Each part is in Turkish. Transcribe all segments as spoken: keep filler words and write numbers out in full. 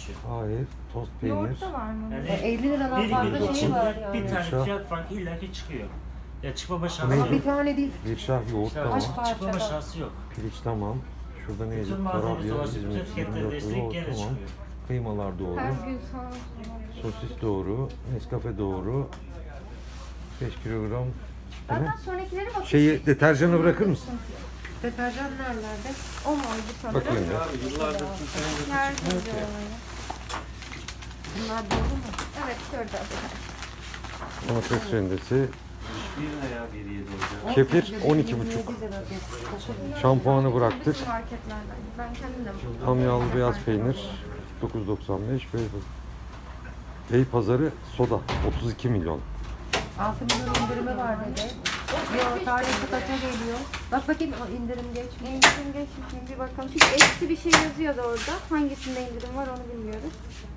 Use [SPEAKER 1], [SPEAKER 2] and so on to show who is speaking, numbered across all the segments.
[SPEAKER 1] geçiyor.
[SPEAKER 2] Hayır. Tost peynir.
[SPEAKER 3] Yoğurt da var mı?
[SPEAKER 1] Yani
[SPEAKER 4] E, elli liradan
[SPEAKER 1] bir
[SPEAKER 4] fazla
[SPEAKER 1] gün
[SPEAKER 4] şey
[SPEAKER 1] için
[SPEAKER 4] var yani.
[SPEAKER 1] bir tane
[SPEAKER 2] Yaşa.
[SPEAKER 1] fiyat farkı illaki çıkıyor. Ya çıkmama şansı
[SPEAKER 2] Neydi?
[SPEAKER 4] Ama bir
[SPEAKER 1] yok.
[SPEAKER 4] tane değil.
[SPEAKER 2] Bir şah yoğurt
[SPEAKER 1] İşte
[SPEAKER 2] tamam.
[SPEAKER 4] Kaç
[SPEAKER 1] çıkmama
[SPEAKER 4] parçada?
[SPEAKER 1] şansı yok.
[SPEAKER 2] Piliç tamam. Şurada neydi?
[SPEAKER 1] Bütün malzemesi
[SPEAKER 2] Tarabya,
[SPEAKER 1] dolaşıp bütün
[SPEAKER 2] İzmir,
[SPEAKER 1] fiyatları
[SPEAKER 2] yirmi dört
[SPEAKER 1] değiştirip
[SPEAKER 2] euro
[SPEAKER 1] gene
[SPEAKER 2] tamam.
[SPEAKER 1] çıkıyor.
[SPEAKER 2] Kıymalar doğru.
[SPEAKER 3] Her gün sana
[SPEAKER 2] Sosis doğru. Nescafe doğru. beş kilogram. Bu ne?
[SPEAKER 3] Zaten sonrakileri bak.
[SPEAKER 2] Şeyi, deterjanı bırakır mısın?
[SPEAKER 4] Deterjan nerelerde?
[SPEAKER 3] O mu oldu sanırım?
[SPEAKER 2] Bakayım ya.
[SPEAKER 3] Yardımcı olayı.
[SPEAKER 4] Bunlar doğru mu?
[SPEAKER 3] Evet şurada.
[SPEAKER 2] Domates rendesi.
[SPEAKER 1] Bir veya bir yedi olacak.
[SPEAKER 2] Kefir on iki buçuk.
[SPEAKER 4] yirmi yedi lira kefir.
[SPEAKER 2] Şampuanı bıraktık.
[SPEAKER 3] Bütün marketlerden. Ben kendim de buldum.
[SPEAKER 2] Tam yağlı beyaz peynir dokuz doksan beş. Bey, Bey pazarı soda otuz iki milyon.
[SPEAKER 4] altı milyon indirimi var dedi. Yok tanesi kaça geliyor? Bak bakayım o indirim geçmiş.
[SPEAKER 3] İndirim geçmiş mi? Bir bakalım. Çünkü eksi bir şey yazıyordu orada. Hangisinde indirim var onu bilmiyoruz.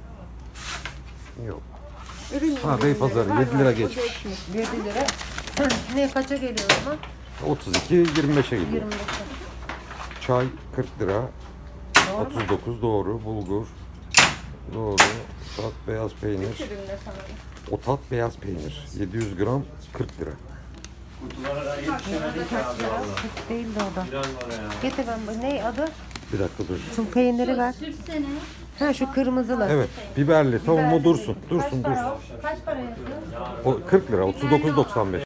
[SPEAKER 2] Yok.
[SPEAKER 3] Ürün
[SPEAKER 2] Ha,
[SPEAKER 3] indirimleri
[SPEAKER 2] Beypazarı,
[SPEAKER 3] var,
[SPEAKER 2] yedi lira
[SPEAKER 3] var. O
[SPEAKER 2] geçmiş.
[SPEAKER 4] yedi lira. Ne kaça geliyor o zaman?
[SPEAKER 2] otuz iki yirmi beşe gidiyor.
[SPEAKER 4] yirmi beşe.
[SPEAKER 2] Çay kırk lira.
[SPEAKER 4] Doğru mu?
[SPEAKER 2] otuz dokuz doğru. Bulgur doğru. Tat beyaz peynir.
[SPEAKER 3] Üründe sanırım.
[SPEAKER 2] O tat beyaz peynir. yedi yüz gram kırk lira.
[SPEAKER 1] Kutulara da yetişemedik ya abi valla.
[SPEAKER 4] Hiç değildi o da.
[SPEAKER 1] Biraz var ya.
[SPEAKER 4] Getir ben bu. Ne adı?
[SPEAKER 2] Bir dakika dur.
[SPEAKER 4] Şu peyniri ver. Ha şu kırmızılı.
[SPEAKER 2] Evet. Biberli. Tamam o dursun. Dursun
[SPEAKER 4] Kaç para
[SPEAKER 2] dursun.
[SPEAKER 4] o? Kaç para yazıyor?
[SPEAKER 2] O kırk lira. otuz dokuz doksan beş.